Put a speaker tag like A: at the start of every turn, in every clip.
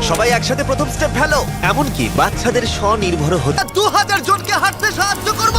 A: সবাই একসাথে প্রথম স্টেপ ফেলো, এমনকি বাচ্চাদের স্বনির্ভর হতে 2000 জনকে হাঁটতে সাহায্য করব।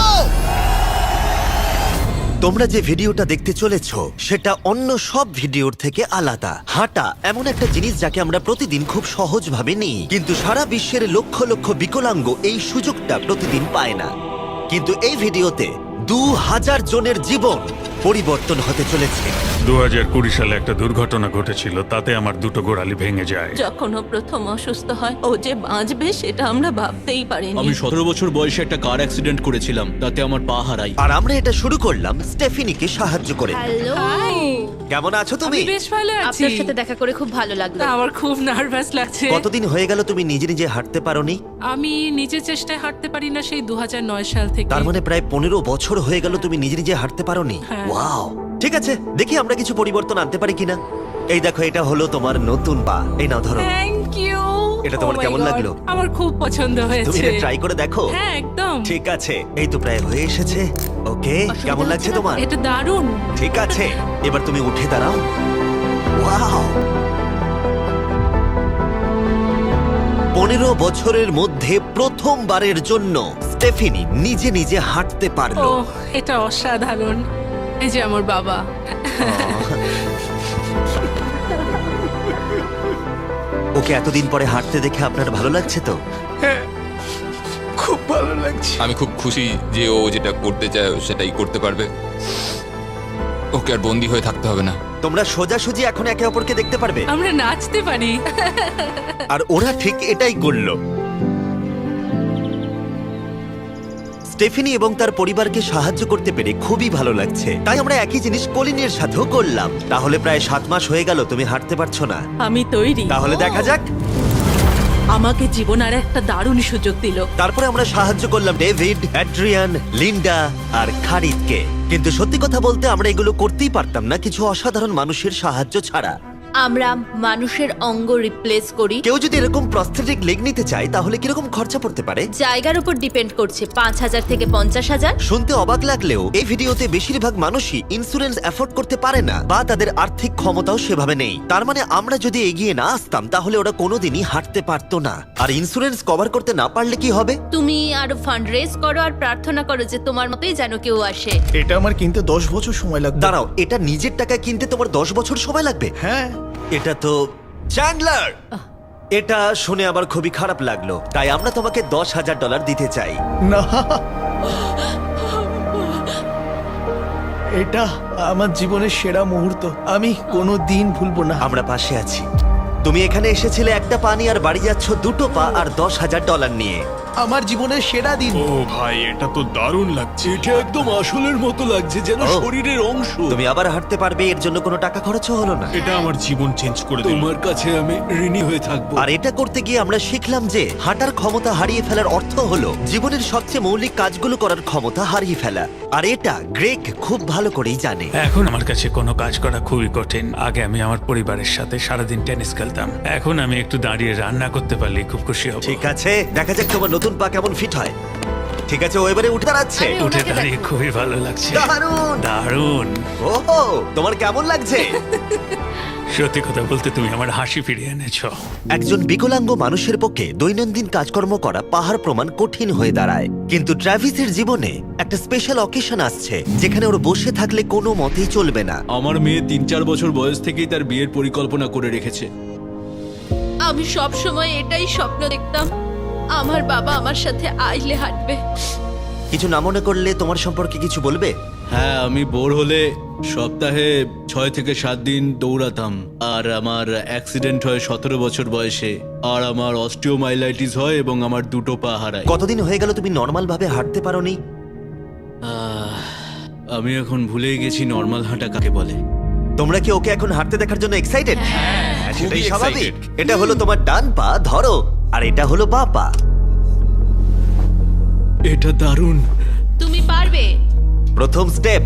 A: তোমরা যে ভিডিওটা দেখতে চলেছো সেটা অন্য সব ভিডিওর থেকে আলাদা। হাঁটা এমন একটা জিনিস যাকে আমরা প্রতিদিন খুব সহজভাবে নিই, কিন্তু সারা বিশ্বের লক্ষ লক্ষ বিকলাঙ্গ এই সুযোগটা প্রতিদিন পায় না। কিন্তু এই ভিডিওতে 2000 জনের জীবন পরিবর্তন হতে চলেছে।
B: 2020 সালে একটা দুর্ঘটনা ঘটেছিল, তাতে আমার দুটো গোড়ালি ভেঙে যায়।
C: যখন ও প্রথম অসুস্থ হয়, ও যে বাঁচবে সেটা আমরা ভাবতেই পারিনি।
D: আমি 17 বছর বয়সে একটা কার অ্যাক্সিডেন্ট করেছিলাম, তাতে আমার পা হারাই।
A: আর আমরা এটা শুরু করলাম স্টেফিনিকে সাহায্য করে।
E: হ্যালো,
A: কেমন আছো তুমি?
F: আমি বেশ ভালো আছি।
E: আপনার সাথে দেখা করে খুব ভালো লাগলো।
F: আমার খুব নার্ভাস লাগছে।
A: কতদিন হয়ে গেল তুমি নিজে নিজে হাঁটতে পারোনি?
F: আমি নিজের চেষ্টায় হাঁটতে পারি না সেই 2009 সাল থেকে।
A: তার মানে প্রায় 15 বছর হয়ে গেল তুমি নিজে নিজে হাঁটতে পারোনি।
F: হ্যাঁ।
A: ওয়াও, ঠিক আছে, দেখি আমরা কিছু পরিবর্তন আনতে পারি কিনা। এই দেখো, এটা হলো তোমার নতুন পা। এই নাও ধরো।
F: Thank you.
A: এটা তোমার কেমন লাগলো?
F: আমার খুব পছন্দ
A: তুমি
F: হয়েছে।
A: এটা ট্রাই করে দেখো।
F: হ্যাঁ, একদম।
A: ঠিক আছে, এই তো প্রায় হয়ে এসেছে। ওকে, কেমন লাগছে তোমার?
F: এটা দারুণ।
A: ঠিক আছে, এবার তুমি উঠে দাঁড়াও। ওয়াও, 15 বছরের মধ্যে প্রথমবারের জন্য স্টেফিনি নিজে নিজে হাঁটতে
F: ও,
A: পারলো।
F: এটা অসাধারণ। এই যে আমার বাবা।
A: ওকে এতদিন পরে হাঁটতে দেখে আপনার ভালো লাগছে তো?
G: আমি খুব খুশি যে ও যেটা করতে চায় ও সেটাই করতে পারবে। ওকে আর বন্দি হয়ে থাকতে হবে না।
A: তোমরা সোজাসুজি এখন একে অপরকে দেখতে পারবে।
F: আমরা নাচতে পারি।
A: আর ওরা ঠিক এটাই করলো। স্টেফিনি এবং তার পরিবারকে সাহায্য করতে পেরে খুবই ভালো লাগছে। তাই আমরা একই জিনিস কলিনের সাথেও করলাম। তাহলে প্রায় 7 মাস হয়ে গেল তুমি হাঁটতে পারছো না।
C: আমি তৈরি।
A: তাহলে দেখা যাক।
C: আমাকে জীবন আর একটা দারুণ সুযোগ দিল।
A: তারপরে আমরা সাহায্য করলাম ডেভিড, অ্যাড্রিয়ান, লিন্ডা আর খারিদকে। কিন্তু সত্যি কথা বলতে আমরা এগুলো করতেই পারতাম না কিছু অসাধারণ মানুষের সাহায্য ছাড়া।
E: আমরা মানুষের অঙ্গ রিপ্লেস করি।
A: কেউ যদি এরকম প্রস্থেটিক লেগ নিতে চায় তাহলে কিরকম খরচা পড়তে পারে?
E: জায়গার উপর ডিপেন্ড করছে, 5,000 থেকে 50,000।
A: শুনতে অবাক লাগলেও এই ভিডিওতে বেশিরভাগ মানুষই ইন্স্যুরেন্স অ্যাফোর্ড করতে পারে না বা তাদের আর্থিক ক্ষমতাও সেভাবে নেই। তার মানে আমরা যদি এগিয়ে না আসতাম তাহলে ওরা কোনোদিনই হাঁটতে পারতো না। আর ইন্স্যুরেন্স কভার করতে না পারলে কি হবে?
E: তুমি আরো ফান্ড রেজ করো আর প্রার্থনা করো যে তোমার মতোই যেন কেউ আসে।
H: এটা আমার কিনতে 10 বছর সময় লাগবে।
A: দাঁড়াও, এটা নিজের টাকায় কিনতে তোমার 10 বছর সময় লাগবে?
H: হ্যাঁ,
A: এটা তো চ্যান্ডলার। এটা শুনে আবার খুবই খারাপ লাগলো, তাই আমরা তোমাকে $10,000 দিতে চাই।
H: না, এটা আমার জীবনের সেরা মুহূর্ত। আমি কোনো দিন ভুলবো না।
A: আমরা পাশে আছি। তুমি এখানে এসেছিলে একটা পা নিয়ে আর বাড়ি যাচ্ছ দুটো পা আর $10,000 নিয়ে।
H: আমার জীবনের সেরা দিন।
B: ও ভাই, এটা তো দারুণ লাগছে।
D: এটা একদম আসলের মতো লাগছে, যেন
A: ও।
D: শরীরের অংশ।
A: তুমি আবার হাঁটতে পারবে, এর জন্য কোনো টাকা খরচও হলো না।
B: এটা আমার জীবন চেঞ্জ করে দিল।
D: তোমার কাছে আমি ঋণী হয়ে থাকবো।
A: আর এটা করতে গিয়ে আমরা শিখলাম যে হাঁটার ক্ষমতা হারিয়ে ফেলার অর্থ হলো জীবনের সবচেয়ে মৌলিক কাজগুলো করার ক্ষমতা হারিয়ে ফেলা। আর এটা গ্রেগ খুব ভালো করেই জানে।
B: এখন আমার কাছে কোনো কাজ করা খুবই কঠিন। আগে আমি আমার পরিবারের সাথে সারাদিন টেনিস খেলতাম, এখন আমি একটু দাঁড়িয়ে রান্না করতে পারলে খুব খুশি হব।
A: ঠিক আছে, দেখা যাক তোমার নতুন পা কেমন ফিট হয়। ঠিক আছে, ও এবারে উঠে দাঁড়াচ্ছে।
E: আরে,
B: উঠে
E: ওনাকে
B: দাঁড়িয়ে খুবই ভালো লাগছে।
A: দারুণ।
B: দারুণ।
A: ওহো, তোমার কেমন লাগছে?
B: সত্যি কথা বলতে তুমি আমার হাসি ফিরিয়ে এনেছো।
A: একজন বিকলাঙ্গ মানুষের পক্ষে দৈনন্দিন কাজকর্ম করা পাহাড় প্রমাণ কঠিন হয়ে দাঁড়ায়। কিন্তু ট্রাভিসের জীবনে একটা স্পেশাল অকেশন আসছে যেখানে ওর বসে থাকলে কোনো মতেই চলবে না।
D: আমার মেয়ে 3-4 বছর বয়স থেকেই তার বিয়ের পরিকল্পনা করে রেখেছে।
E: আমি সব সময় এটাই স্বপ্ন দেখতাম, আমার বাবা আমার সাথে আইলে হাঁটবে।
A: কিছু না মনে করলে তোমার সম্পর্কে কিছু বলবে?
D: হ্যাঁ, আমি বোর হলে সপ্তাহে 6 থেকে 7 দিন দৌড়াতাম। আর আমার অ্যাক্সিডেন্ট হয় 17 বছর বয়সে। আর আমার অস্টিওমাইলাইটিস হয় এবং আমার দুটো পা হারায়।
A: কতদিন হয়ে গেল তুমি নর্মাল ভাবে হাঁটতে পারোনি?
D: আমি এখন ভুলেই গেছি নর্মাল হাঁটা কাকে বলে।
A: তোমরা কি ওকে এখন হাঁটতে দেখার জন্য এক্সাইটেড? সেটাই
G: খুবই
A: স্বাভাবিক।
G: excited।
A: এটা হলো তোমার ডান পা, ধরো, আর এটা হলো বাঁ পা।
D: এটা দারুণ।
E: তুমি পারবে।
A: প্রথম স্টেপ।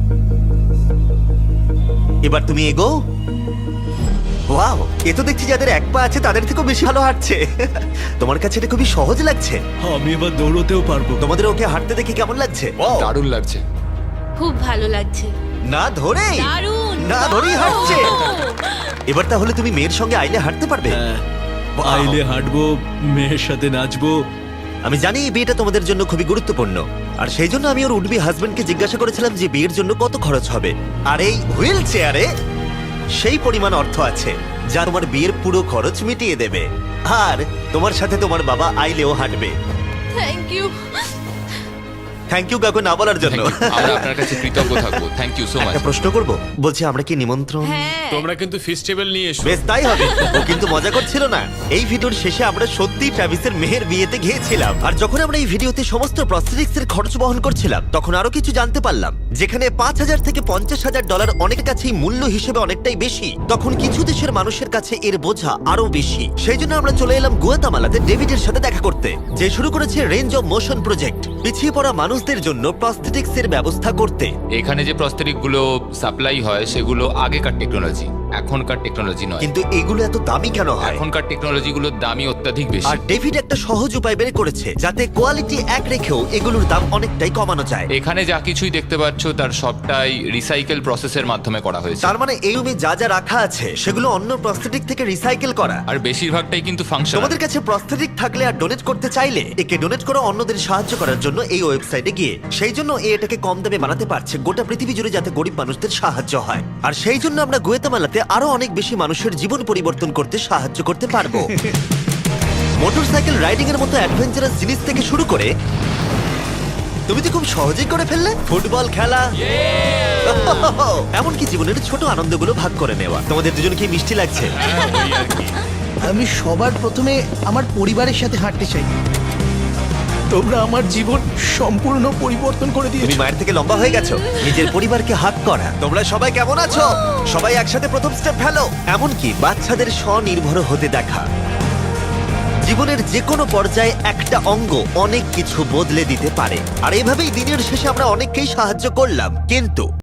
A: এবার তুমি এগো। ওয়াও, এ তো দেখছি যাদের এক পা আছে তাদের থেকেও বেশি ভালো হাঁটছে। তোমার কাছে এটা খুবই সহজ লাগছে।
D: আমি এবার দৌড়তেও পারবো।
A: তোমাদের ওকে হাঁটতে দেখে কেমন লাগছে?
G: দারুণ লাগছে।
E: খুব ভালো লাগছে।
A: না ধরেই
E: দারুণ।
A: না ধরেই হাঁটছে। এবার তাহলে তুমি মেয়ের সঙ্গে আইলে হাঁটতে পারবে?
D: হ্যাঁ, আইলে হাঁটবো, মেয়ের সাথে নাচবো।
A: আমি জানি এই বিয়েটা তোমাদের জন্য খুবই গুরুত্বপূর্ণ, আর সেই জন্য আমি ওর উডবি হাজবেন্ডকে জিজ্ঞাসা করেছিলাম যে বিয়ের জন্য কত খরচ হবে। আর এই হুইল চেয়ারে সেই পরিমাণ অর্থ আছে যা তোমার বিয়ের পুরো খরচ মিটিয়ে দেবে। আর তোমার সাথে তোমার বাবা আইলেও হাঁটবে।
E: Thank you.
A: থ্যাংক ইউ কাকু না বলার জন্য।
G: আমরা আপনার কাছে কৃতজ্ঞ থাকবো, থ্যাংক ইউ সো মাচ।
A: একটা প্রশ্ন করব, বলছি আমরা কি নিমন্ত্রণ?
E: হ্যাঁ,
I: তোমরা কিন্তু ফেস্টিভ্যাল নিয়ে এসো।
A: বেশ তাই হবে। ও কিন্তু মজা করছিল না। এই ভিডিওর শেষে আমরা সত্যি ট্রাভিসের মেহের বিয়েতে গিয়েছিলাম, আর যখন আমরা এই ভিডিওতে সমস্ত প্রস্থেটিক্স এর খরচ বহন করছিলাম তখন আরো কিছু জানতে পারলাম। যেখানে $5,000 থেকে $50,000 অনেকের কাছেই মূল্য হিসেবে অনেকটাই বেশি, তখন কিছু দেশের মানুষের কাছে এর বোঝা আরো বেশি। সেই জন্য আমরা চলে এলাম গুয়াতামালাতে ডেভিডের সাথে দেখা করতে, যে শুরু করেছে রেঞ্জ অফ মোশন প্রজেক্ট, পিছিয়ে পড়া মানুষদের জন্য প্রস্থেটিক্স এর ব্যবস্থা করতে।
G: এখানে যে প্রস্তরিক গুলো সাপ্লাই হয় সেগুলো আগেকার টেকনোলজি, এখনকার টেকনোলজি নয়।
A: কিন্তু এগুলো এত দামি কেন হয়?
G: এখনকার টেকনোলজি গুলোর দামই অত্যাধিক বেশি।
A: আর ডেভিড একটা সহজ উপায় বের করেছে যাতে কোয়ালিটি এক রেখেও এগুলোর দাম অনেকটাই কমানো যায়।
G: এখানে যা কিছুই দেখতে পাচ্ছ তার সবটাই রিসাইকেল প্রসেসের মাধ্যমে করা হয়েছে।
A: তার মানে এই রুমে যা যা রাখা আছে সেগুলো অন্য প্রস্থেটিক থেকে রিসাইকেল করা।
G: আর বেশিরভাগটাই কিন্তু ফাংশনাল।
A: তোমাদের কাছে প্রস্থেটিক থাকলে আর ডোনেট করতে চাইলে একে ডোনেট করো অন্যদের সাহায্য করার জন্য এই ওয়েবসাইটে গিয়ে। সেই জন্য এটাকে কম দামে বানাতে পারছে গোটা পৃথিবী জুড়ে যাতে গরিব মানুষদের সাহায্য হয়। আর সেই জন্য আমরা গুয়াতামালাতে আরো অনেক বেশি মানুষের জীবন পরিবর্তন করতে সাহায্য করতে পারবো। মোটরসাইকেল রাইডিং এর মতো অ্যাডভেঞ্চারাস জিনিস থেকে শুরু করে তুমি তো খুব সহজেই করে ফেললে ফুটবল খেলা, এমনকি জীবনের ছোট আনন্দগুলো ভাগ করে নেওয়া। তোমাদের দুজনকে মিষ্টি লাগছে?
H: আমি সবার প্রথমে আমার পরিবারের সাথে হাঁটতে চাই। তোমরা আমার জীবন সম্পূর্ণ পরিবর্তন করে
A: তুমি
H: দিয়েছো।
A: মায়ের থেকে লম্বা হয়ে গেছো। নিজের পরিবারকে হাত করা। তোমরা সবাই কেমন আছো? সবাই একসাথে প্রথম স্টেপ ফেলো। এমনকি বাচ্চাদের স্বনির্ভর হতে দেখা। জীবনের যে কোনো পর্যায়ে একটা অঙ্গ অনেক কিছু বদলে দিতে পারে। আর এভাবেই দিনের শেষে আমরা অনেককেই সাহায্য করলাম, কিন্তু